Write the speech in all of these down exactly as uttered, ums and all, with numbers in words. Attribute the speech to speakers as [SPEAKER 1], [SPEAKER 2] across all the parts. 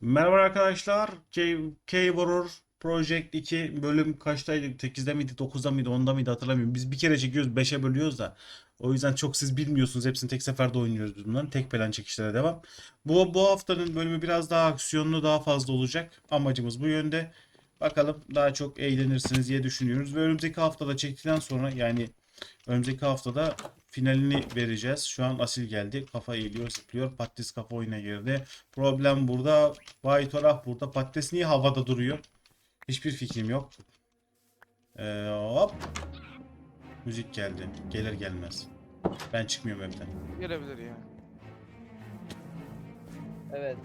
[SPEAKER 1] Merhaba arkadaşlar. K, K-Horror Project iki bölüm kaçtaydı? sekizde miydi, dokuzda mıydı, onda mıydı hatırlamıyorum. Biz bir kere çekiyoruz, beşe bölüyoruz da. O yüzden çok siz bilmiyorsunuz. Hepsini tek seferde oynuyoruz biz bunların. Tek plan çekişlere devam. Bu, bu haftanın bölümü biraz daha aksiyonlu, daha fazla olacak. Amacımız bu yönde. Bakalım daha çok eğlenirsiniz diye düşünüyoruz. Ve önümüzdeki haftada çektikten sonra yani önümüzdeki haftada finalini vereceğiz. Şu an Asil geldi. Kafa eğiliyor, zıplıyor. Patates kafa oyuna girdi. Problem burada. Baytorah burada. Patates niye havada duruyor? Hiçbir fikrim yok. Ee, hop. Müzik geldi. Gelir gelmez. Ben çıkmıyorum evden.
[SPEAKER 2] Gelebilir ya.
[SPEAKER 3] Evet.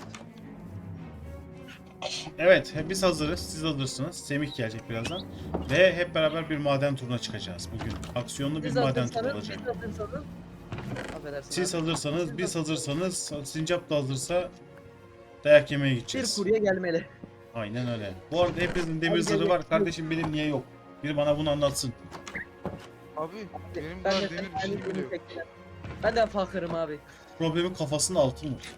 [SPEAKER 1] Evet, hep biz hazırız. Siz hazırsınız. Semih gelecek birazdan. Ve hep beraber bir maden turuna çıkacağız bugün. Aksiyonlu bir
[SPEAKER 3] Siz
[SPEAKER 1] maden turu
[SPEAKER 3] hazırsanız,
[SPEAKER 1] olacak.
[SPEAKER 3] siz hazırsanız. Affedersin
[SPEAKER 1] Siz
[SPEAKER 3] abi.
[SPEAKER 1] hazırsanız,
[SPEAKER 3] Siz
[SPEAKER 1] biz
[SPEAKER 3] hazırsanız
[SPEAKER 1] hazırsanız, Sincap da hazırsa dayak yemeye
[SPEAKER 3] Bir
[SPEAKER 1] gideceğiz.
[SPEAKER 3] kurye gelmeli.
[SPEAKER 1] Aynen öyle. Bu arada hepinizin demir
[SPEAKER 3] Abi
[SPEAKER 1] zırhı
[SPEAKER 3] gel-
[SPEAKER 1] var. Kardeşim benim niye yok? Biri bana bunu anlatsın.
[SPEAKER 2] Abi benim
[SPEAKER 3] Ben
[SPEAKER 2] daha
[SPEAKER 3] de
[SPEAKER 2] demir bir
[SPEAKER 3] aynı
[SPEAKER 2] şey
[SPEAKER 3] günü
[SPEAKER 2] bile yok.
[SPEAKER 3] çektiler. Ben de fakırım abi.
[SPEAKER 1] Problemin kafasında altın var.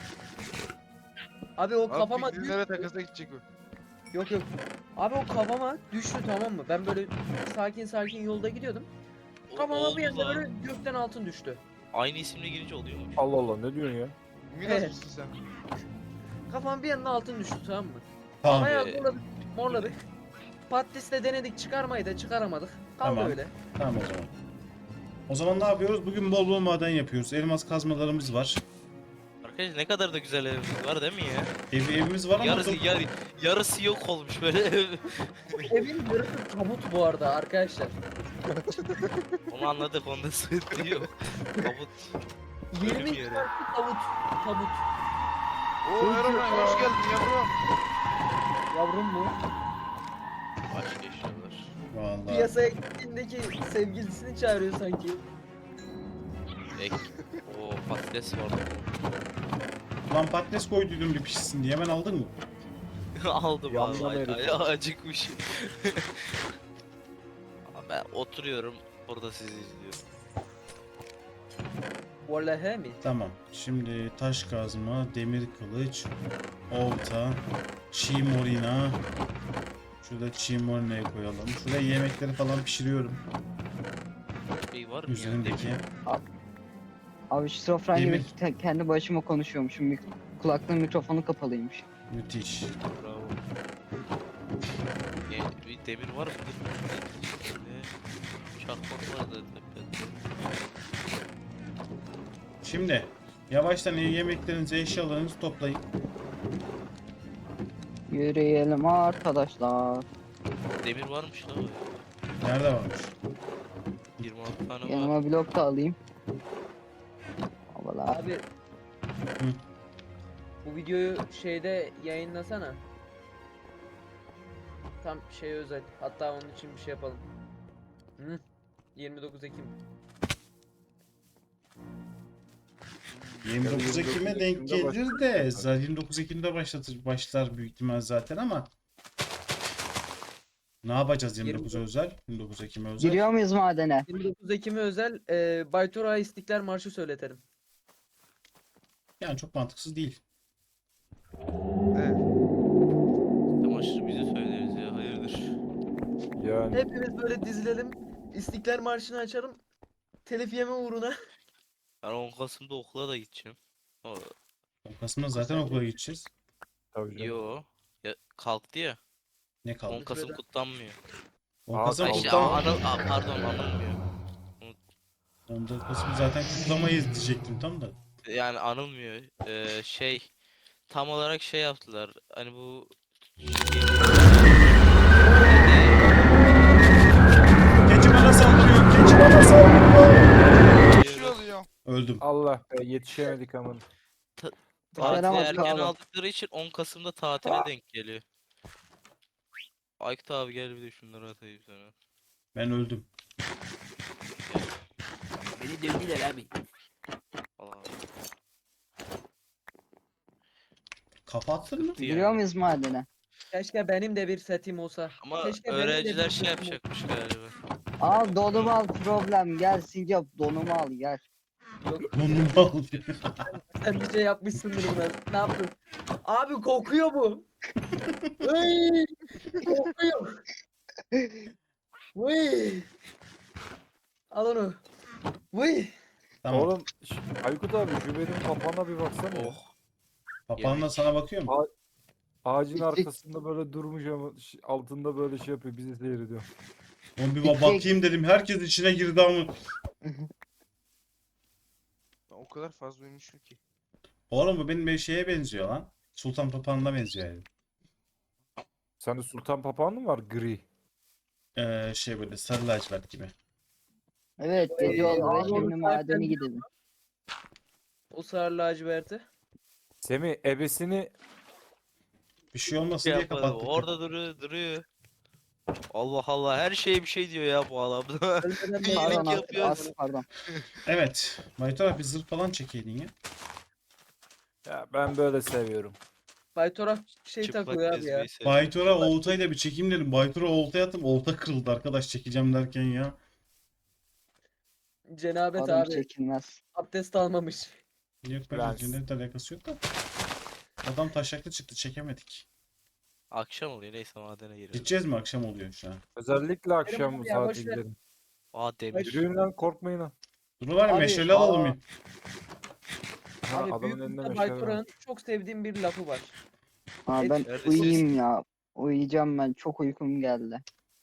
[SPEAKER 3] Abi o
[SPEAKER 2] Abi
[SPEAKER 3] kafama
[SPEAKER 2] pikniklere
[SPEAKER 3] düştü.
[SPEAKER 2] takasa gidecek o.
[SPEAKER 3] Yok yok. Abi o kafama düştü, tamam mı? Ben böyle sakin sakin yolda gidiyordum.
[SPEAKER 4] O-
[SPEAKER 3] Kafama
[SPEAKER 4] oldu
[SPEAKER 3] bir anda
[SPEAKER 4] lan.
[SPEAKER 3] böyle gökten altın düştü.
[SPEAKER 4] Aynı isimle girince oluyormuş.
[SPEAKER 5] Allah Allah ne diyorsun ya?
[SPEAKER 2] Minas
[SPEAKER 3] Evet.
[SPEAKER 2] mısın sen?
[SPEAKER 3] Kafama bir anda altın düştü, tamam mı?
[SPEAKER 1] Tamam.
[SPEAKER 3] Bayağı
[SPEAKER 4] Ee,
[SPEAKER 3] zorladık, morladık. Patatesle denedik, çıkarmayı da çıkaramadık. Kaldı
[SPEAKER 1] Tamam.
[SPEAKER 3] öyle.
[SPEAKER 1] Tamam o zaman. O zaman ne yapıyoruz? Bugün bol bol maden yapıyoruz. Elmas kazmalarımız var.
[SPEAKER 4] Arkadaş ne kadar da güzel evimiz var değil mi ya?
[SPEAKER 1] Ev, evimiz var ama
[SPEAKER 4] Yarısı,
[SPEAKER 1] çok...
[SPEAKER 4] yar, yarısı yok olmuş böyle ev.
[SPEAKER 3] Evin yarısı tabut bu arada arkadaşlar.
[SPEAKER 4] Onu anladık, onda sıkıntı yok. Kabut.
[SPEAKER 3] yirmi
[SPEAKER 4] Ölüm yeri.
[SPEAKER 3] çarpı tabut. Tabut.
[SPEAKER 2] Oo Erman hoş geldin yavrum.
[SPEAKER 3] Yavrum mu?
[SPEAKER 4] Başka eşyalar.
[SPEAKER 1] Vallahi.
[SPEAKER 3] Piyasaya gittiğindeki sevgilisini çağırıyor sanki.
[SPEAKER 4] Ek. O patates vardı.
[SPEAKER 1] Lan patates koyduydum bir pişsin diye. Hemen aldın mı?
[SPEAKER 4] Aldım
[SPEAKER 5] Yandan
[SPEAKER 4] abi.
[SPEAKER 5] herif.
[SPEAKER 4] Ay, ay, acıkmış. Abi ben oturuyorum. Burada sizi izliyorum.
[SPEAKER 3] Vallahi mi?
[SPEAKER 1] Tamam. Şimdi taş kazma, demir kılıç, olta, çiğ morina. Şurada çiğ morinayı koyalım. Şuraya yemekleri falan pişiriyorum.
[SPEAKER 4] Şey var mı ya?
[SPEAKER 1] Üzerindeki.
[SPEAKER 4] Demir.
[SPEAKER 6] Abi şizofren gibi
[SPEAKER 1] Demir.
[SPEAKER 6] te- kendi başıma konuşuyormuşum. Mik kulaklığın mikrofonu kapalıymış.
[SPEAKER 1] Müthiş.
[SPEAKER 4] Bravo. E, bir demir var mı? Ne? Çakmak vardı tepede.
[SPEAKER 1] Şimdi yavaştan yemeklerinizi, eşyalarınızı toplayın.
[SPEAKER 6] Yürüyelim arkadaşlar.
[SPEAKER 4] Demir varmış lan.
[SPEAKER 1] Nerede varmış?
[SPEAKER 4] yirmi altı tane var.
[SPEAKER 6] Yanıma blok da alayım. Havalar.
[SPEAKER 3] Abi. Bu videoyu şeyde yayınlasana. Tam şey özel. Hatta onun için bir şey yapalım. Hı? yirmi dokuz Ekim.
[SPEAKER 1] yirmi dokuz Ekim'e denk gelir de zaten yirmi dokuz Ekim'de başlatır başlar büyük ihtimal zaten ama ne yapacağız yirmi dokuz özel? yirmi dokuz Ekim'e özel.
[SPEAKER 6] Giriyor muyuz madene?
[SPEAKER 3] yirmi dokuz Ekim'e özel e, Baytura İstiklal Marşı söyletelim.
[SPEAKER 1] Yani çok mantıksız değil.
[SPEAKER 2] Evet.
[SPEAKER 4] Çamaşır bize söyleriz ya, hayırdır.
[SPEAKER 5] Yani
[SPEAKER 3] Hepimiz böyle dizilelim. İstiklal Marşı'nı açalım. Telif yeme uğruna.
[SPEAKER 4] Ben on Kasım'da okula da gideceğim. O,
[SPEAKER 1] Kasım'da zaten okula gideceğiz.
[SPEAKER 5] tabii canım.
[SPEAKER 4] yo. Ya, kalktı ya.
[SPEAKER 1] Ne
[SPEAKER 4] on
[SPEAKER 1] kaldı?
[SPEAKER 4] Kasım
[SPEAKER 3] Sürede.
[SPEAKER 4] kutlanmıyor.
[SPEAKER 1] on
[SPEAKER 5] Aa,
[SPEAKER 1] Kasım
[SPEAKER 4] Ay,
[SPEAKER 5] kaldı.
[SPEAKER 4] şey,
[SPEAKER 1] kutlam
[SPEAKER 4] anıl, a, pardon anılmıyor.
[SPEAKER 1] on dört Kasım zaten kutlamayız diyecektim tam da.
[SPEAKER 4] Yani anılmıyor. Ee, şey tam olarak şey yaptılar. Hani bu
[SPEAKER 1] Keçi bana saldırıyor. Keçi bana saldırıyor.
[SPEAKER 2] Bir şey oluyor.
[SPEAKER 1] Öldüm.
[SPEAKER 5] Allah be yetişemedik aman.
[SPEAKER 4] tatili
[SPEAKER 6] Başaramaz
[SPEAKER 4] erken
[SPEAKER 6] kaldı.
[SPEAKER 4] aldıkları için on Kasım'da tatile denk geliyor. Aykut abi gel bir de şunları atayım sana.
[SPEAKER 1] Ben öldüm.
[SPEAKER 4] Beni dövdüler abi. Allah.
[SPEAKER 1] Kafa attın mı?
[SPEAKER 6] Giriyor muyuz madene?
[SPEAKER 3] Keşke benim de bir setim olsa.
[SPEAKER 4] Ama
[SPEAKER 3] Keşke benim de bir
[SPEAKER 4] öğrenciler şey
[SPEAKER 3] setim
[SPEAKER 4] yapacakmış galiba.
[SPEAKER 6] Al donumu al problem. Gel Sincap donumu al gel.
[SPEAKER 3] olsa. Yok
[SPEAKER 1] Donumu al.
[SPEAKER 3] sen bir şey yapmışsındır buna. Ne yaptın? Abi kokuyor bu. Vıy! Kokuyor. Vıy! Al onu. Vıy!
[SPEAKER 1] Tamam.
[SPEAKER 5] Oğlum ş- Aykut abi şu benim papağana bir baksana. ya.
[SPEAKER 4] Oh.
[SPEAKER 1] Papağanla sana bakıyor mu?
[SPEAKER 5] Ağacın
[SPEAKER 6] İki-
[SPEAKER 5] arkasında böyle durmuş ama ş- altında böyle şey yapıyor. Bizi seyrediyor.
[SPEAKER 1] Oğlum bir ba- bakayım dedim. Herkes içine girdi ama.
[SPEAKER 2] Ben o kadar fazla uyumuşum ki.
[SPEAKER 1] Oğlum bu benim bir şeye benziyor lan. Sultan Papağan'ına benziyor yani.
[SPEAKER 5] Sende sultan papağanı mı var? Gri.
[SPEAKER 1] Ee, şey böyle sarı lacivert gibi.
[SPEAKER 6] Evet gece
[SPEAKER 3] Ee,
[SPEAKER 6] oldu ve
[SPEAKER 3] abi,
[SPEAKER 6] şimdi
[SPEAKER 3] onu
[SPEAKER 6] madene
[SPEAKER 3] zaten-
[SPEAKER 6] gidelim.
[SPEAKER 3] O sarı laciverti.
[SPEAKER 5] Semih ebesini
[SPEAKER 1] Bir şey olmasın
[SPEAKER 4] Şey
[SPEAKER 1] diye
[SPEAKER 4] yapmadı.
[SPEAKER 1] kapattık.
[SPEAKER 4] Orada duruyor, duruyor. Allah Allah, her şeye bir şey diyor ya bu adam.
[SPEAKER 3] Ölmeden
[SPEAKER 4] Bir
[SPEAKER 6] Pardon
[SPEAKER 4] iyilik
[SPEAKER 6] abi,
[SPEAKER 4] yapıyoruz.
[SPEAKER 6] az pardon.
[SPEAKER 1] Evet. Baytar abi bir zırh falan çekeydin ya.
[SPEAKER 5] ya ben böyle seviyorum.
[SPEAKER 3] Baytora şey
[SPEAKER 4] Çıplak
[SPEAKER 3] takıyor abi ya.
[SPEAKER 4] gezmeyi seviyor.
[SPEAKER 1] Baytor'a oltayla bir çekeyim dedim. Baytor'a oltaya attım. Olta kırıldı arkadaş çekeceğim derken ya.
[SPEAKER 3] Cenabet
[SPEAKER 6] Adam
[SPEAKER 3] abi.
[SPEAKER 6] çekilmez.
[SPEAKER 3] Abdest almamış.
[SPEAKER 1] Yok
[SPEAKER 5] Prens.
[SPEAKER 1] bence cennetle alakası yok da. Adam taşaklı çıktı çekemedik.
[SPEAKER 4] Akşam oluyor, neyse madene giriyoruz.
[SPEAKER 1] Gideceğiz mi? Akşam oluyor şu an.
[SPEAKER 5] Özellikle akşam
[SPEAKER 3] abi
[SPEAKER 5] bu
[SPEAKER 3] ya,
[SPEAKER 5] saate
[SPEAKER 3] boş ver.
[SPEAKER 5] gidelim.
[SPEAKER 4] Aa, demir.
[SPEAKER 5] Yürüyün lan korkmayın lan.
[SPEAKER 1] Dur var ya
[SPEAKER 3] Abi,
[SPEAKER 1] meşale alalım.
[SPEAKER 5] aa.
[SPEAKER 1] ya.
[SPEAKER 5] Ha,
[SPEAKER 3] Abi
[SPEAKER 5] adamın
[SPEAKER 3] büyük
[SPEAKER 5] önünde
[SPEAKER 3] usta
[SPEAKER 5] meşale var.
[SPEAKER 3] Baytora'nın çok sevdiğim bir lafı var.
[SPEAKER 6] Aa, ben
[SPEAKER 4] Neredesiniz?
[SPEAKER 6] uyuyayım ya. Uyuyacağım ben. Çok uykum geldi.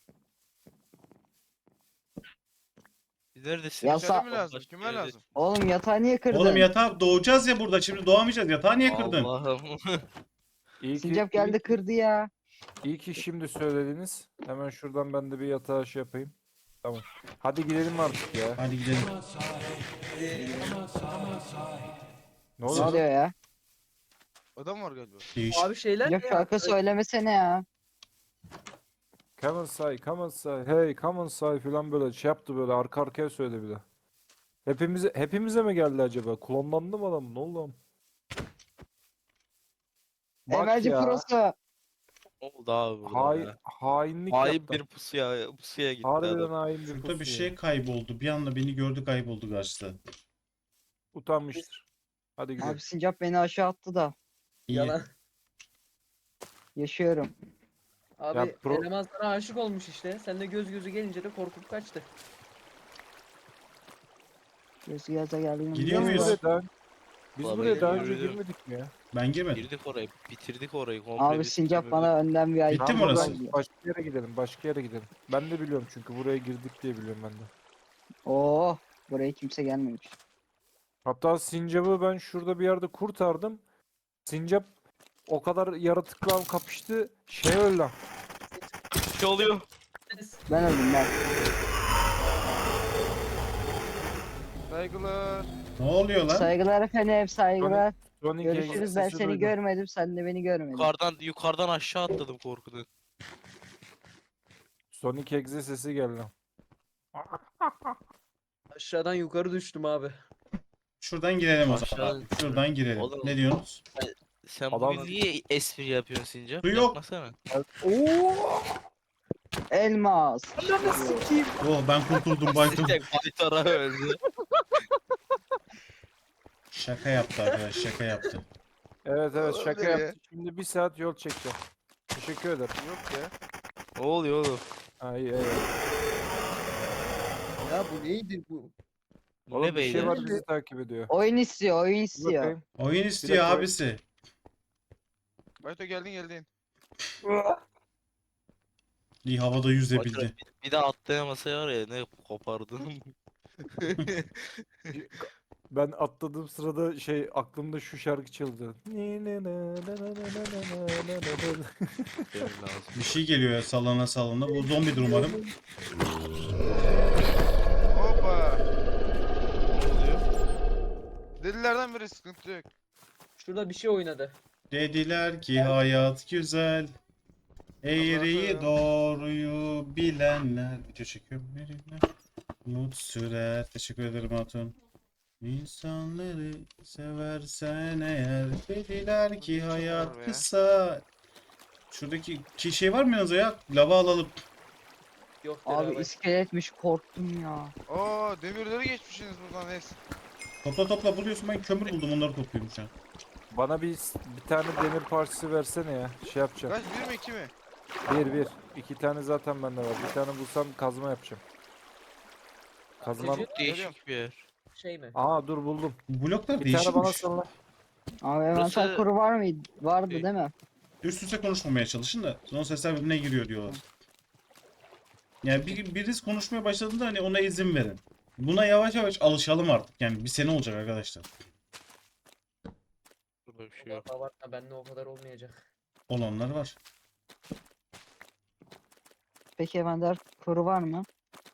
[SPEAKER 4] Neredesin?
[SPEAKER 6] Ya
[SPEAKER 2] Meşale
[SPEAKER 6] sa-
[SPEAKER 2] mi lazım?
[SPEAKER 4] Başka
[SPEAKER 2] Kime
[SPEAKER 4] yerde-
[SPEAKER 2] lazım?
[SPEAKER 6] Oğlum yatağı niye kırdın?
[SPEAKER 1] Oğlum yatağa doğacağız ya burada. Şimdi doğamayacağız. Yatağı niye kırdın?
[SPEAKER 4] Allah'ım.
[SPEAKER 5] İyi ki,
[SPEAKER 6] Sincap geldi
[SPEAKER 5] iyi,
[SPEAKER 6] kırdı ya.
[SPEAKER 5] iyi ki şimdi söylediniz. Hemen şuradan ben de bir yatağa şey yapayım. Tamam. Hadi gidelim artık ya.
[SPEAKER 1] Hadi gidelim.
[SPEAKER 5] Ne
[SPEAKER 6] Ne
[SPEAKER 5] oluyor?
[SPEAKER 6] oluyor ya?
[SPEAKER 2] Adam var galiba.
[SPEAKER 1] Değiş.
[SPEAKER 3] Abi şeyler
[SPEAKER 6] Sincap
[SPEAKER 3] ya.
[SPEAKER 6] şarkı söylemesene ya.
[SPEAKER 5] Come on say, come on say, hey come on say falan böyle şey yaptı böyle arka arkaya söyledi bir de. Hepimize, hepimize mi geldi acaba? Klonlandı mı adam? Ne oldu lan? Bak
[SPEAKER 6] Emelci
[SPEAKER 5] ya,
[SPEAKER 6] Prosu.
[SPEAKER 4] Ne oldu abi burada
[SPEAKER 5] hay,
[SPEAKER 4] ya?
[SPEAKER 5] hainlik
[SPEAKER 4] Hain
[SPEAKER 5] yaptı.
[SPEAKER 4] bir pusuya, pusuya gitti
[SPEAKER 5] Harbiden
[SPEAKER 4] adam.
[SPEAKER 5] hain bir
[SPEAKER 1] Şurada bir
[SPEAKER 5] pusu ya.
[SPEAKER 1] şey kayboldu. Bir anda beni gördü kayboldu karşıda.
[SPEAKER 5] Utanmıştır. Hadi gidelim.
[SPEAKER 6] Abi Sincap beni aşağı attı da.
[SPEAKER 1] İyi.
[SPEAKER 3] Yalan.
[SPEAKER 6] Yaşıyorum.
[SPEAKER 3] Abi
[SPEAKER 5] Ya pro-
[SPEAKER 3] eleman sana aşık olmuş işte. Sen de göz gözü gelince de korkup kaçtı.
[SPEAKER 6] Gözü yaza geldim.
[SPEAKER 1] Gidiyor
[SPEAKER 5] Biz
[SPEAKER 1] muyuz?
[SPEAKER 5] buraya daha, biz
[SPEAKER 4] Vallahi
[SPEAKER 5] buraya daha önce
[SPEAKER 4] yürüdüm.
[SPEAKER 5] girmedik mi ya?
[SPEAKER 1] Ben girmedim.
[SPEAKER 4] Girdik orayı, bitirdik orayı komple.
[SPEAKER 6] Abi
[SPEAKER 4] biz
[SPEAKER 6] Sincap
[SPEAKER 4] bitirmedik.
[SPEAKER 6] bana önden bir ay.
[SPEAKER 1] Bitti mi
[SPEAKER 5] Tamam,
[SPEAKER 1] orası?
[SPEAKER 5] buradan Başka yere gidelim, başka yere gidelim. Ben de biliyorum çünkü buraya girdik diye biliyorum ben de.
[SPEAKER 6] Oo, Oh, buraya kimse gelmemiş.
[SPEAKER 5] Hatta Sincap'ı ben şurada bir yerde kurtardım. Sincap o kadar yaratıkla kapıştı, şey öldü lan.
[SPEAKER 4] Bir şey oluyor.
[SPEAKER 6] Ben öldüm ben.
[SPEAKER 2] Saygılar.
[SPEAKER 1] Ne oluyor lan?
[SPEAKER 6] Saygılar efendim, saygılar.
[SPEAKER 5] Sonic
[SPEAKER 6] Görüşürüz. Ben
[SPEAKER 5] sesi
[SPEAKER 6] seni
[SPEAKER 5] duydum.
[SPEAKER 6] görmedim, sen de beni görmedin.
[SPEAKER 4] Yukarıdan, yukarıdan aşağı atladım korkudan.
[SPEAKER 5] Sonic Exe sesi geldi lan.
[SPEAKER 3] Aşağıdan yukarı düştüm abi.
[SPEAKER 1] Şuradan girelim o zaman.
[SPEAKER 4] Aşağı-
[SPEAKER 1] Şuradan girelim.
[SPEAKER 4] Oğlum.
[SPEAKER 1] Ne diyorsunuz?
[SPEAKER 4] Sen
[SPEAKER 5] Adam-
[SPEAKER 4] bugün niye espri yapıyorsun Sincap?
[SPEAKER 1] Su yok.
[SPEAKER 4] Yapmasana.
[SPEAKER 5] Oo!
[SPEAKER 6] Elmas.
[SPEAKER 3] Ananı sikeyim.
[SPEAKER 1] Oh ben kurtuldum Baytur.
[SPEAKER 4] Sincap Baytara öldü.
[SPEAKER 1] Şaka yaptı arkadaş şaka yaptı.
[SPEAKER 5] Evet evet şaka
[SPEAKER 2] Öyle ya.
[SPEAKER 5] yaptı. Şimdi bir saat yol çekeceğim. Teşekkür ederim.
[SPEAKER 2] Yok ya.
[SPEAKER 4] Ne oluyor oğlum?
[SPEAKER 5] Ha, iyi, iyi.
[SPEAKER 3] Ya bu neydi bu?
[SPEAKER 4] Bu
[SPEAKER 5] Oğlum
[SPEAKER 4] ne
[SPEAKER 5] bir şey
[SPEAKER 4] beyler?
[SPEAKER 5] var bizi takip ediyor.
[SPEAKER 6] Oyun istiyor, oyun
[SPEAKER 5] Dur
[SPEAKER 6] istiyor.
[SPEAKER 5] bakayım.
[SPEAKER 1] Oyun istiyor
[SPEAKER 5] dakika.
[SPEAKER 1] abisi.
[SPEAKER 2] Bayto geldin geldin.
[SPEAKER 1] İyi havada yüzebildi.
[SPEAKER 4] Bir, bir de atlayamasa var ya ne kopardım.
[SPEAKER 5] Ben atladığım sırada şey aklımda şu şarkı çaldı.
[SPEAKER 4] Benim lazım.
[SPEAKER 1] Bir şey geliyor ya sallana sallana. Bu zombidir umarım.
[SPEAKER 2] Hoppa.
[SPEAKER 4] Ne oluyor?
[SPEAKER 2] Delilerden biri sıkıntı yok.
[SPEAKER 3] Şurada bir şey oynadı.
[SPEAKER 1] Dediler ki hayat güzel. Eğriyi doğruyu bilenler. Video çekiyorum. Verirler. Umut sürer. Teşekkür ederim Hatun. İnsanları seversen eğer. Dediler ki
[SPEAKER 2] Çok
[SPEAKER 1] hayat
[SPEAKER 2] var be.
[SPEAKER 1] kısa. Şuradaki ki şey var mı yanınıza ya? Lava alalım.
[SPEAKER 3] Yok
[SPEAKER 6] Abi
[SPEAKER 3] beraber.
[SPEAKER 6] iskeletmiş, korktum ya.
[SPEAKER 2] Oo demirleri geçmişsiniz buradan neyse.
[SPEAKER 1] Topla topla buluyorsun ben kömür buldum onları topluyorum şu an.
[SPEAKER 5] Bana bir bir tane demir parçası versene ya. Şey yapacağım.
[SPEAKER 2] Kaç bir mi iki mi?
[SPEAKER 5] Bir bir. İki tane zaten bende var. Bir tane bulsam kazma yapacağım. Kazma.
[SPEAKER 3] Atıcı
[SPEAKER 4] Çok değişik bir yer.
[SPEAKER 3] şey mi?
[SPEAKER 5] Aa dur buldum.
[SPEAKER 1] Bu bloklar
[SPEAKER 5] Bir tane bana
[SPEAKER 1] değişikmiş.
[SPEAKER 5] salla.
[SPEAKER 6] Abi envanter
[SPEAKER 4] Burası-
[SPEAKER 6] kuru var mıydı? Vardı
[SPEAKER 4] Şey-
[SPEAKER 6] değil mi?
[SPEAKER 1] Üst üste konuşmamaya çalışın da son sesler birbirine giriyor diyorlar. Yani bir, birisi konuşmaya başladığında hani ona izin verin. Buna yavaş yavaş alışalım artık. Yani bir sene olacak arkadaşlar.
[SPEAKER 4] Burada bir şey yok.
[SPEAKER 3] Vallahi bakma bende o kadar olmayacak.
[SPEAKER 1] Olanlar var.
[SPEAKER 6] Peki envanter kuru var mı?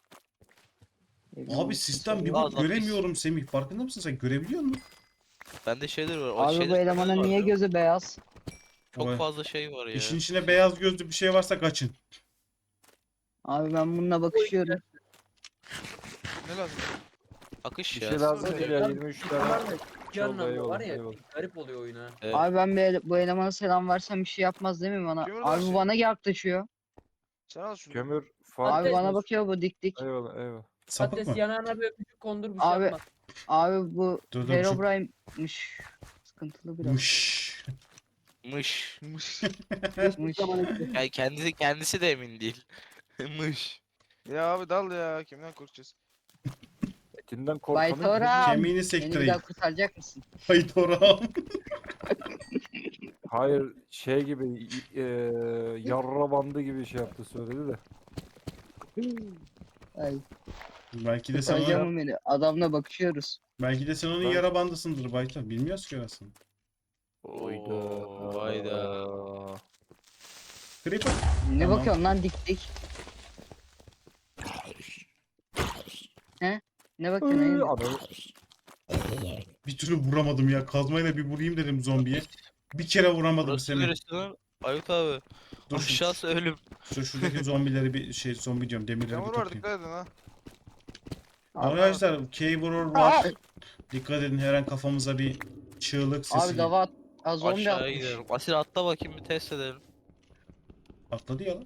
[SPEAKER 1] Abi sistem bir
[SPEAKER 4] Aa,
[SPEAKER 1] bak
[SPEAKER 4] lapis.
[SPEAKER 1] göremiyorum Semih. Farkında mısın sen? Görebiliyor musun?
[SPEAKER 4] Bende şeyler var. O
[SPEAKER 6] Abi bu
[SPEAKER 4] şeyler
[SPEAKER 6] elemanın
[SPEAKER 4] var
[SPEAKER 6] niye
[SPEAKER 4] ya.
[SPEAKER 6] gözü beyaz?
[SPEAKER 4] Çok
[SPEAKER 1] Vay.
[SPEAKER 4] fazla şey var ya.
[SPEAKER 1] İşin içine beyaz gözlü bir şey varsa kaçın.
[SPEAKER 6] Abi ben bununla bakışıyorum.
[SPEAKER 2] Ne lazım?
[SPEAKER 4] Akış
[SPEAKER 5] Bir
[SPEAKER 4] ya.
[SPEAKER 5] şey lazım
[SPEAKER 2] Söyle.
[SPEAKER 5] değil ya. yirmi üç tane.
[SPEAKER 3] Bunlar da iki
[SPEAKER 5] oldu,
[SPEAKER 3] anlamda var
[SPEAKER 5] eyvallah,
[SPEAKER 3] ya
[SPEAKER 5] eyvallah.
[SPEAKER 3] bir garip oluyor oyun ha.
[SPEAKER 4] Evet.
[SPEAKER 6] Abi ben bu, ele- bu elemana selam versem bir şey yapmaz değil mi bana?
[SPEAKER 2] Kim
[SPEAKER 6] Abi
[SPEAKER 2] orada
[SPEAKER 6] bu
[SPEAKER 2] şey?
[SPEAKER 6] bana yaklaşıyor.
[SPEAKER 2] Sen al şunu.
[SPEAKER 5] Kömür
[SPEAKER 6] Abi
[SPEAKER 5] falan.
[SPEAKER 6] bana bakıyor bu dik dik.
[SPEAKER 5] Eyvallah eyvallah.
[SPEAKER 1] Sapık
[SPEAKER 3] Patates
[SPEAKER 1] mı?
[SPEAKER 3] yanağına bir öpücük kondur bir şey
[SPEAKER 6] Abi-
[SPEAKER 3] yapma.
[SPEAKER 6] Abi bu
[SPEAKER 1] Dur, dur,
[SPEAKER 6] Herobrine'miş. Sıkıntılı biraz.
[SPEAKER 1] Mış.
[SPEAKER 4] Mış.
[SPEAKER 2] Mış.
[SPEAKER 6] Mış.
[SPEAKER 4] Yani kendisi kendisi de emin değil. Mış.
[SPEAKER 2] Ya abi dal ya. Kimden korkacağız?
[SPEAKER 5] Etinden korkanın
[SPEAKER 6] Baytora.
[SPEAKER 1] Kemiğini
[SPEAKER 6] Beni bir
[SPEAKER 1] sektireyim.
[SPEAKER 6] daha kurtaracak mısın?
[SPEAKER 1] Haydi oram.
[SPEAKER 5] Hayır şey gibi e, yarra bandı gibi şey yaptı söyledi de.
[SPEAKER 6] Ay,
[SPEAKER 1] Belki de sen
[SPEAKER 6] kurtaracak
[SPEAKER 1] onun,
[SPEAKER 6] mı beni? Adamla bakışıyoruz.
[SPEAKER 1] belki de sen onun
[SPEAKER 5] Ben-
[SPEAKER 1] yara bandısındır Bayta. Bilmiyoruz ki aslında.
[SPEAKER 5] Oyda.
[SPEAKER 4] Oo, hayda.
[SPEAKER 1] Creeper.
[SPEAKER 6] Ne
[SPEAKER 1] Tamam.
[SPEAKER 6] bakıyorsun lan dik dik? He? Ne bakıyorsun?
[SPEAKER 5] Iıı,
[SPEAKER 6] Eyüp?
[SPEAKER 5] adamı-
[SPEAKER 1] Bir türlü vuramadım ya. Kazmayla bir vurayım dedim zombiye. Bir kere vuramadım
[SPEAKER 4] Burası
[SPEAKER 1] Semih.
[SPEAKER 4] neresi lan? Ayut abi.
[SPEAKER 1] Dur şu,
[SPEAKER 4] Aşağısı ölüm.
[SPEAKER 1] şu şuradaki zombileri bir şey zombi diyorum demirleri bir
[SPEAKER 2] Yağmur var
[SPEAKER 1] toplayayım.
[SPEAKER 2] dikkat edin ha.
[SPEAKER 1] Arkadaşlar K-Vurur var. Dikkat edin her an kafamıza bir çığlık sesi.
[SPEAKER 6] Abi dava at. Az zombi
[SPEAKER 4] Aşağıya
[SPEAKER 6] atmış.
[SPEAKER 4] gidelim. Asil atla bakayım bir test edelim.
[SPEAKER 1] Atladı ya lan.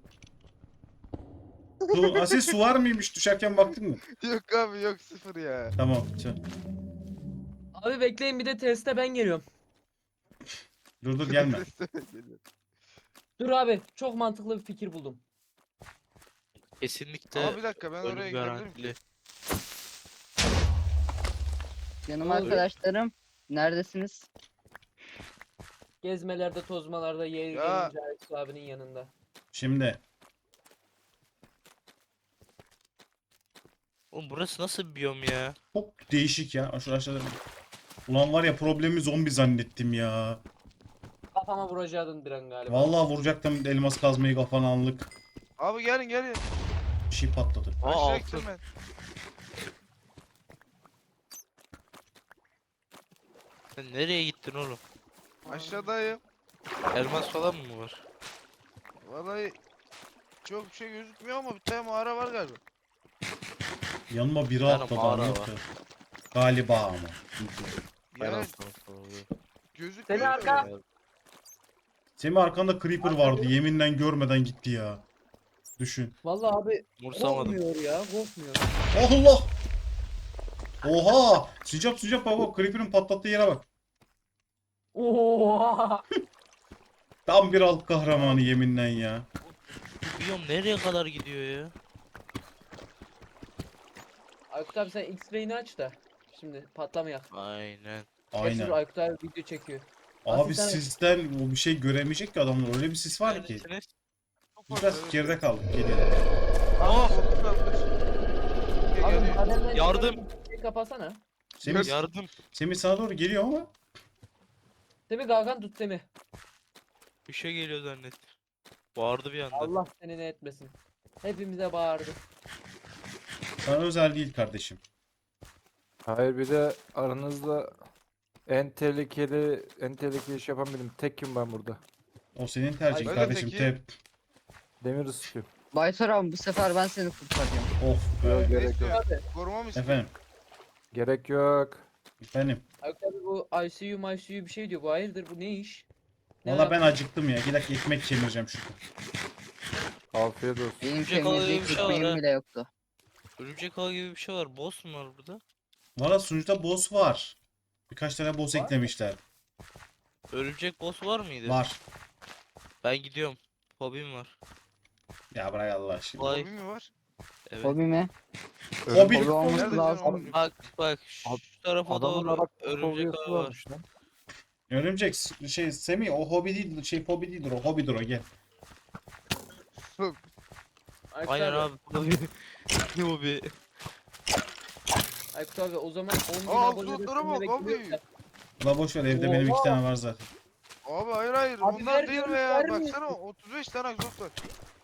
[SPEAKER 1] Su, Asil su var mıymış düşerken baktın mı?
[SPEAKER 2] Yok abi yok sıfır ya.
[SPEAKER 1] Tamam. Sen.
[SPEAKER 3] Abi bekleyin bir de teste ben geliyorum.
[SPEAKER 1] Dur dur gelme.
[SPEAKER 3] Dur abi çok mantıklı bir fikir buldum.
[SPEAKER 4] Kesinlikle
[SPEAKER 2] Ama bir dakika ben oraya
[SPEAKER 4] ölüm
[SPEAKER 2] gidebilirim.
[SPEAKER 4] garantili.
[SPEAKER 6] Canım
[SPEAKER 3] Abi.
[SPEAKER 6] arkadaşlarım. Neredesiniz?
[SPEAKER 3] Gezmelerde tozmalarda yer
[SPEAKER 2] Ya.
[SPEAKER 3] gelince Aysu abinin yanında.
[SPEAKER 1] Şimdi.
[SPEAKER 4] Oğlum burası nasıl bir biyom ya?
[SPEAKER 1] Çok değişik ya. Şu aşağıda. Ulan var ya problemi zombi zannettim ya.
[SPEAKER 3] Kafama vuracaktın bir an galiba.
[SPEAKER 1] Vallahi vuracaktım elmas kazmayı kafana anlık.
[SPEAKER 2] Abi gelin gelin.
[SPEAKER 1] Bir şey patladı.
[SPEAKER 4] Aa
[SPEAKER 2] Aşağı
[SPEAKER 4] altın.
[SPEAKER 2] gittim ben.
[SPEAKER 4] Sen nereye gittin oğlum?
[SPEAKER 2] Aşağıdayım.
[SPEAKER 4] Elmas falan mı var?
[SPEAKER 2] Vallahi çok bir şey gözükmüyor ama bir tane mağara var galiba.
[SPEAKER 1] Yanıma biri
[SPEAKER 4] tane
[SPEAKER 1] atladı
[SPEAKER 4] mağara
[SPEAKER 1] anlık
[SPEAKER 4] var.
[SPEAKER 1] da. Galiba ama.
[SPEAKER 4] Ben
[SPEAKER 2] Yani
[SPEAKER 4] alsam falan.
[SPEAKER 2] gözükmüyor.
[SPEAKER 3] Seni arka-
[SPEAKER 2] da.
[SPEAKER 1] Semih arkanda creeper vardı. Yeminle görmeden gitti ya. Düşün.
[SPEAKER 3] Vallahi abi
[SPEAKER 4] Umursamadım.
[SPEAKER 3] korkmuyor ya korkmuyor.
[SPEAKER 1] Allah! Oha! Sıcap sıcap baba. Creeper'ın patlattığı yere bak.
[SPEAKER 3] Oha!
[SPEAKER 1] Tam bir alt kahramanı yeminle ya.
[SPEAKER 4] Bu biyom nereye kadar gidiyor ya?
[SPEAKER 3] Aykut abi sen X-Ray'ini aç da. Şimdi patlamayak.
[SPEAKER 4] Aynen.
[SPEAKER 3] Gerçi dur,
[SPEAKER 1] Aynen.
[SPEAKER 3] Aykut abi video çekiyor.
[SPEAKER 1] Abi
[SPEAKER 3] Asil sen-
[SPEAKER 1] sisten o bir şey göremeyecek ki adamlar. Öyle bir sis var ki.
[SPEAKER 4] Neredesiniz?
[SPEAKER 2] Çok
[SPEAKER 1] Biz
[SPEAKER 2] fazla,
[SPEAKER 1] biraz
[SPEAKER 2] evet.
[SPEAKER 1] geride kaldık. Geliyor.
[SPEAKER 2] Aa korktum ben. Dur.
[SPEAKER 3] Abi
[SPEAKER 2] Geliyor.
[SPEAKER 3] madenden
[SPEAKER 4] Yardım.
[SPEAKER 3] şey kapatsana.
[SPEAKER 1] Semih,
[SPEAKER 4] Yardım.
[SPEAKER 1] Semih sana doğru geliyor ama.
[SPEAKER 3] Semih Gagan tut Semih.
[SPEAKER 4] Bir şey geliyor zannettim. Bağırdı bir anda.
[SPEAKER 3] Allah seni ne etmesin. Hepimize bağırdı.
[SPEAKER 1] Sana özel değil kardeşim.
[SPEAKER 5] Hayır bir de aranızda en tehlikeli en tehlikeli iş yapan benim. Tekim ben burada.
[SPEAKER 1] O senin tercihin
[SPEAKER 2] Ay,
[SPEAKER 1] kardeşim.
[SPEAKER 2] peki.
[SPEAKER 1] Tep.
[SPEAKER 5] Demir ısıtıyorum.
[SPEAKER 6] Baytar abi bu sefer ben seni kurtaracağım.
[SPEAKER 1] Of be.
[SPEAKER 5] Yok
[SPEAKER 2] Ne
[SPEAKER 5] gerek yok.
[SPEAKER 2] istiyorsun?
[SPEAKER 3] Abi
[SPEAKER 2] Koruma mı istiyorsun?
[SPEAKER 1] Efendim.
[SPEAKER 5] Gerek yok.
[SPEAKER 1] Efendim.
[SPEAKER 3] Aykut abi bu I C U, I C U bir şey diyor. Bu hayırdır bu ne iş? Ne
[SPEAKER 1] Valla ben
[SPEAKER 3] yapıyor?
[SPEAKER 1] acıktım ya. Bir dakika ekmek kemireceğim şurada.
[SPEAKER 5] Afiyet olsun.
[SPEAKER 6] Benim
[SPEAKER 4] Yiyecek alayım
[SPEAKER 6] temizlik
[SPEAKER 4] bir şey var
[SPEAKER 6] ekmeğim
[SPEAKER 4] ha.
[SPEAKER 6] bile yoktu.
[SPEAKER 4] Örümcek ağı gibi bir şey var. Boss mu var burada?
[SPEAKER 1] Valla sunucuda boss var. Birkaç tane boss
[SPEAKER 3] Var.
[SPEAKER 1] eklemişler.
[SPEAKER 4] Örümcek boss var mıydı?
[SPEAKER 1] Var.
[SPEAKER 4] Ben gidiyorum. Hobim var.
[SPEAKER 1] Ya bırak Allah aşkına.
[SPEAKER 4] Vay.
[SPEAKER 2] Hobi mi var?
[SPEAKER 4] Evet.
[SPEAKER 6] Hobi mi?
[SPEAKER 1] Hobi.
[SPEAKER 6] Hobi olması
[SPEAKER 2] Nerede
[SPEAKER 6] lazım.
[SPEAKER 2] canım?
[SPEAKER 4] Bak bak şu
[SPEAKER 5] Ad-
[SPEAKER 4] tarafa
[SPEAKER 5] Adamın
[SPEAKER 4] doğru
[SPEAKER 5] Arap
[SPEAKER 4] örümcek
[SPEAKER 5] fobiyası
[SPEAKER 4] ağı var.
[SPEAKER 5] varmış lan.
[SPEAKER 1] Örümcek s- şey Semih o hobi değildir. Şey hobi değildir o. Hobidir o gel.
[SPEAKER 3] Aykut
[SPEAKER 4] Aynen
[SPEAKER 3] abi,
[SPEAKER 4] abi. Hobi. Ne hobi?
[SPEAKER 3] Aykut abi o zaman on bin
[SPEAKER 2] Aa,
[SPEAKER 3] abone
[SPEAKER 2] slotlara bak
[SPEAKER 3] bekliyoruz
[SPEAKER 2] abi.
[SPEAKER 3] da.
[SPEAKER 1] La boş ver evde benim iki tane var zaten.
[SPEAKER 2] Abi hayır hayır
[SPEAKER 3] Abi
[SPEAKER 2] onlar değil
[SPEAKER 3] vermiyoruz,
[SPEAKER 2] be ya.
[SPEAKER 3] vermiyoruz.
[SPEAKER 2] Baksana otuz beş tane egzoz var.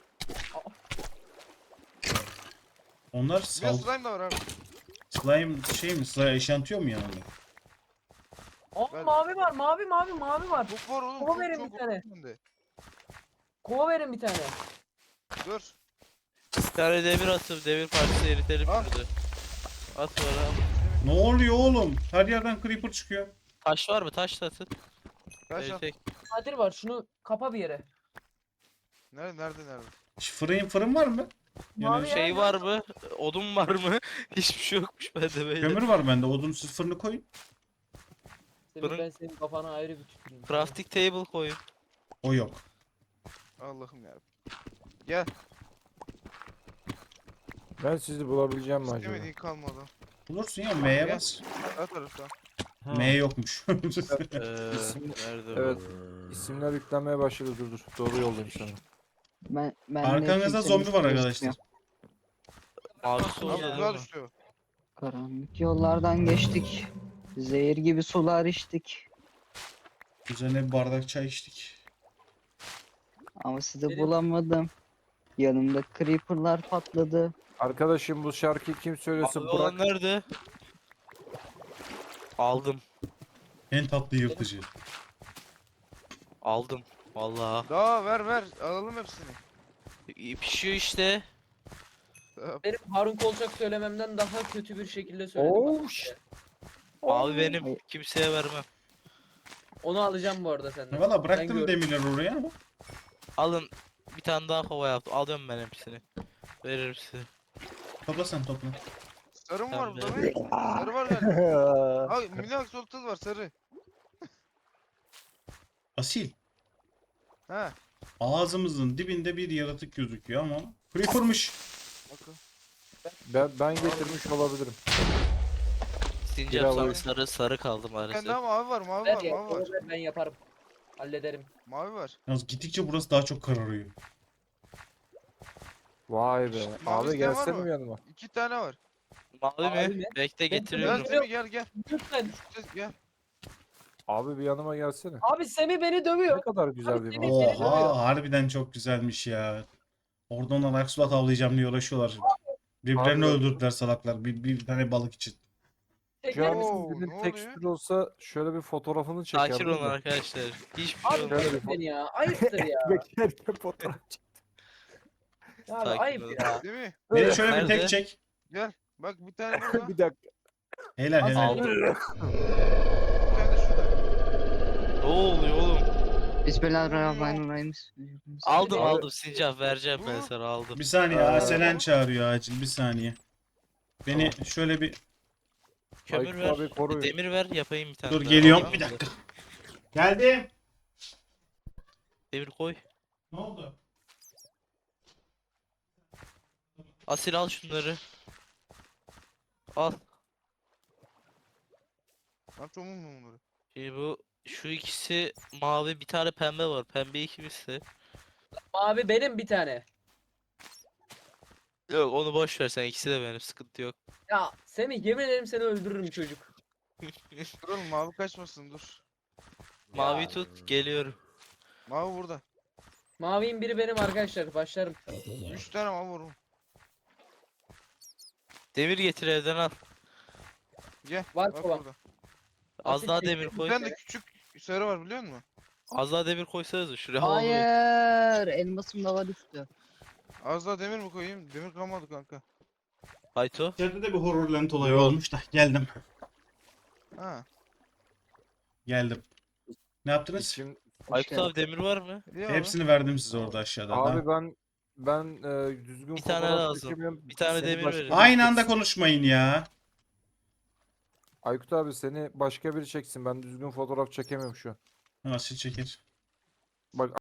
[SPEAKER 1] Onlar
[SPEAKER 2] Bir de
[SPEAKER 1] sal
[SPEAKER 2] slime da var abi.
[SPEAKER 1] slime şey mi? Slime eşantiyor mu yanında?
[SPEAKER 3] Aa
[SPEAKER 2] Ben-
[SPEAKER 3] mavi var mavi mavi mavi var.
[SPEAKER 2] Çok var oğlum.
[SPEAKER 3] Kova
[SPEAKER 2] Çok
[SPEAKER 3] verin
[SPEAKER 2] çok
[SPEAKER 3] bir tane.
[SPEAKER 2] önünde.
[SPEAKER 3] Kova verin bir tane.
[SPEAKER 2] Dur.
[SPEAKER 4] Bir tane demir atıp demir parçası eritelim
[SPEAKER 2] Ah.
[SPEAKER 4] şurada. At bana.
[SPEAKER 1] Ne oluyor oğlum? Her yerden creeper çıkıyor.
[SPEAKER 4] Taş var mı? Taş da atın.
[SPEAKER 2] Kaç al.
[SPEAKER 4] Eritek.
[SPEAKER 3] Kadir var şunu kapa bir yere.
[SPEAKER 2] Nerede nerede nerede?
[SPEAKER 1] Ş- Fırın fırın var mı? Yani
[SPEAKER 3] Mavi ya.
[SPEAKER 4] Şey var mı? Odun var mı? Hiçbir şey yokmuş bende böyle.
[SPEAKER 1] kömür var bende. Odunsuz fırını koyun.
[SPEAKER 3] Semih,
[SPEAKER 4] Fırın-
[SPEAKER 3] ben senin kafana ayrı bir tüküreyim.
[SPEAKER 4] Crafting table koyun.
[SPEAKER 1] O yok.
[SPEAKER 2] Allah'ım ya. Gel.
[SPEAKER 5] Ben sizi bulabileceğim mi acaba?
[SPEAKER 2] İstemediğin kalmadı.
[SPEAKER 1] Bulursun ya M'ye
[SPEAKER 2] Gel.
[SPEAKER 1] bas.
[SPEAKER 2] Her tarafta.
[SPEAKER 1] M yokmuş.
[SPEAKER 4] Ee,
[SPEAKER 5] İsim-
[SPEAKER 4] nerede
[SPEAKER 5] Evet.
[SPEAKER 4] bu?
[SPEAKER 5] İsimler yüklenmeye başladı dur dur. Doğru yoldayım sana.
[SPEAKER 6] Ben, ben de
[SPEAKER 1] Arkanızda
[SPEAKER 6] kimsenin
[SPEAKER 1] zombi var
[SPEAKER 6] üstüne
[SPEAKER 1] arkadaşlar.
[SPEAKER 6] çıkmıyor.
[SPEAKER 4] Mavisi
[SPEAKER 2] Abi
[SPEAKER 4] oldu
[SPEAKER 2] tuzağa
[SPEAKER 4] değil mi?
[SPEAKER 2] düştü o.
[SPEAKER 6] Karanlık yollardan geçtik. Zehir gibi sular içtik.
[SPEAKER 1] Üzerine bir bardak çay içtik.
[SPEAKER 6] Ama sizi
[SPEAKER 3] Benim-
[SPEAKER 6] bulamadım. Yanımda creeperlar patladı.
[SPEAKER 5] Arkadaşım bu şarkıyı kim söylüyorsa
[SPEAKER 4] Abi
[SPEAKER 5] bırak.
[SPEAKER 4] olan nerede? Aldım.
[SPEAKER 1] En tatlı yırtıcı.
[SPEAKER 4] Aldım. Vallahi.
[SPEAKER 2] Daha ver ver. Alalım hepsini.
[SPEAKER 4] İyi pişiyor işte.
[SPEAKER 2] Daha-
[SPEAKER 3] Benim Harun Kolçak söylememden daha kötü bir şekilde söyledim.
[SPEAKER 5] Oh,
[SPEAKER 3] bak.
[SPEAKER 5] ş-
[SPEAKER 4] Mavi benim.
[SPEAKER 6] Hayır.
[SPEAKER 4] Kimseye vermem.
[SPEAKER 3] Onu alacağım bu arada senden.
[SPEAKER 1] Valla
[SPEAKER 3] Sen
[SPEAKER 1] bıraktım
[SPEAKER 3] gör.
[SPEAKER 1] demirleri oraya ama.
[SPEAKER 4] Alın. Bir tane daha kova yaptım. Alıyorum ben hepsini. Veririm size.
[SPEAKER 1] Topla sen topla.
[SPEAKER 2] Sarı mı var
[SPEAKER 4] Tamam,
[SPEAKER 2] burada
[SPEAKER 4] ver.
[SPEAKER 2] be? Sarı var galiba. Abi mini axolotl var sarı.
[SPEAKER 1] Asil.
[SPEAKER 2] He.
[SPEAKER 1] Ağzımızın dibinde bir yaratık gözüküyor ama. Creeper'mış.
[SPEAKER 2] Bakın.
[SPEAKER 5] Ben, ben getirmiş olabilirim.
[SPEAKER 4] Sincap
[SPEAKER 5] Bravo.
[SPEAKER 4] sarı sarı sarı kaldı
[SPEAKER 2] Bir
[SPEAKER 4] maalesef.
[SPEAKER 2] tane daha mavi var mavi
[SPEAKER 3] Ver
[SPEAKER 2] var
[SPEAKER 3] ya,
[SPEAKER 2] mavi var.
[SPEAKER 3] onu ver, ben yaparım. Hallederim.
[SPEAKER 2] Mavi var.
[SPEAKER 1] Yalnız gittikçe burası daha çok kararıyor.
[SPEAKER 5] Vay be.
[SPEAKER 2] Mavi
[SPEAKER 5] Abi
[SPEAKER 2] isteyen var
[SPEAKER 5] gelsene
[SPEAKER 2] mı?
[SPEAKER 5] mi yanıma?
[SPEAKER 2] İki tane var.
[SPEAKER 4] Mavi
[SPEAKER 3] Mavi
[SPEAKER 4] mi?
[SPEAKER 3] mi?
[SPEAKER 4] Bekle
[SPEAKER 2] Gel
[SPEAKER 4] getiriyorum.
[SPEAKER 2] Semih gel gel.
[SPEAKER 3] Lütfen.
[SPEAKER 2] Gel.
[SPEAKER 5] Abi bir yanıma gelsene.
[SPEAKER 3] Abi Semih beni
[SPEAKER 5] Ne
[SPEAKER 3] dövüyor.
[SPEAKER 5] kadar güzel
[SPEAKER 3] Abi
[SPEAKER 5] bir
[SPEAKER 3] seni-
[SPEAKER 5] manzara.
[SPEAKER 3] dövüyor.
[SPEAKER 1] Oha harbiden çok güzelmiş ya. Orada onlar aksulat avlayacağım diye uğraşıyorlar. Birbirlerini
[SPEAKER 5] Abi-
[SPEAKER 1] öldürdüler salaklar. Bir, bir tane balık için.
[SPEAKER 3] Çeker
[SPEAKER 5] Şu an
[SPEAKER 3] misin?
[SPEAKER 2] Oo,
[SPEAKER 5] sizin
[SPEAKER 2] ne oluyor?
[SPEAKER 5] tekstür olsa şöyle bir fotoğrafını çekerdim.
[SPEAKER 4] Sakin olun
[SPEAKER 5] de.
[SPEAKER 4] arkadaşlar. Hiçbir şey
[SPEAKER 3] Abi
[SPEAKER 4] olmaz.
[SPEAKER 5] Şöyle bir
[SPEAKER 3] bırak beni ya. Ayıptır ya.
[SPEAKER 5] Beklerken fotoğraf çek.
[SPEAKER 3] Abi
[SPEAKER 4] Sakin
[SPEAKER 3] ayıp
[SPEAKER 4] olun.
[SPEAKER 3] ya.
[SPEAKER 2] Değil mi?
[SPEAKER 1] Beni şöyle bir
[SPEAKER 4] Nerede?
[SPEAKER 1] tek çek.
[SPEAKER 2] Gel. Bak bir tane burada.
[SPEAKER 5] Bir dakika.
[SPEAKER 1] Helal helal.
[SPEAKER 4] Aldım.
[SPEAKER 2] Bir tane de şurada.
[SPEAKER 4] Ne oluyor oğlum?
[SPEAKER 6] Bismillahirrahmanirrahim.
[SPEAKER 4] Aldım
[SPEAKER 3] Abi-
[SPEAKER 4] aldım Sincap vereceğim ben
[SPEAKER 2] Bu-
[SPEAKER 4] sana aldım.
[SPEAKER 1] Bir saniye
[SPEAKER 5] Aa.
[SPEAKER 1] Aselen çağırıyor acil bir saniye. Beni şöyle bir
[SPEAKER 4] Kömür
[SPEAKER 5] Aykut
[SPEAKER 4] ver.
[SPEAKER 5] abi koruyun.
[SPEAKER 4] Demir ver yapayım bir tane
[SPEAKER 1] dur
[SPEAKER 4] daha.
[SPEAKER 1] geliyorum
[SPEAKER 4] Al,
[SPEAKER 1] bir
[SPEAKER 4] al.
[SPEAKER 1] dakika. Geldim.
[SPEAKER 4] Demir koy.
[SPEAKER 1] Ne oldu?
[SPEAKER 4] Asil al şunları. Al.
[SPEAKER 2] Lan çok mu bunları?
[SPEAKER 4] Şimdi bu şu ikisi mavi bir tane pembe var. Pembe ikimizse.
[SPEAKER 3] Abi benim bir tane.
[SPEAKER 4] Yok onu boş ver sen ikisi de benim sıkıntı yok.
[SPEAKER 3] Ya Semih yemin ederim seni öldürürüm çocuk.
[SPEAKER 2] Dur oğlum mavi kaçmasın dur.
[SPEAKER 4] Mavi tut geliyorum.
[SPEAKER 2] Mavi burada.
[SPEAKER 3] Mavinin biri benim arkadaşlar. Başlarım.
[SPEAKER 2] Üç tane mavi var oğlum.
[SPEAKER 4] Demir getir evden al.
[SPEAKER 2] Gel.
[SPEAKER 3] Var
[SPEAKER 2] Bak
[SPEAKER 3] kovan.
[SPEAKER 2] burada.
[SPEAKER 4] Az
[SPEAKER 3] Asil
[SPEAKER 4] daha
[SPEAKER 3] çekti.
[SPEAKER 4] demir
[SPEAKER 2] Bir
[SPEAKER 4] koy.
[SPEAKER 2] tane de küçük sarı var biliyor musun?
[SPEAKER 4] Az daha demir koysanız şuraya al.
[SPEAKER 6] Hayır. Elmasım da var üstü.
[SPEAKER 2] Az daha demir mi koyayım? Demir kalmadı kanka.
[SPEAKER 4] Hayto.
[SPEAKER 1] İçeride de bir horror lent olayı olmuş da geldim.
[SPEAKER 2] Ha.
[SPEAKER 1] Geldim. Ne yaptınız?
[SPEAKER 5] İçim...
[SPEAKER 4] Aykut
[SPEAKER 6] geldin.
[SPEAKER 4] abi demir var mı?
[SPEAKER 2] İyi abi.
[SPEAKER 1] Hepsini verdim size orada aşağıda.
[SPEAKER 5] Abi
[SPEAKER 1] Ha.
[SPEAKER 5] ben ben e, düzgün
[SPEAKER 4] Bir tane
[SPEAKER 5] fotoğraf
[SPEAKER 4] lazım.
[SPEAKER 5] çekemiyorum.
[SPEAKER 4] Bir tane
[SPEAKER 5] Seni
[SPEAKER 4] demir
[SPEAKER 5] başka
[SPEAKER 4] verin.
[SPEAKER 5] biri
[SPEAKER 1] Aynı anda
[SPEAKER 5] çeksin.
[SPEAKER 1] konuşmayın ya.
[SPEAKER 5] Aykut abi seni başka biri çeksin. Ben düzgün fotoğraf çekemiyorum şu an.
[SPEAKER 1] Asil çeker.
[SPEAKER 5] Bak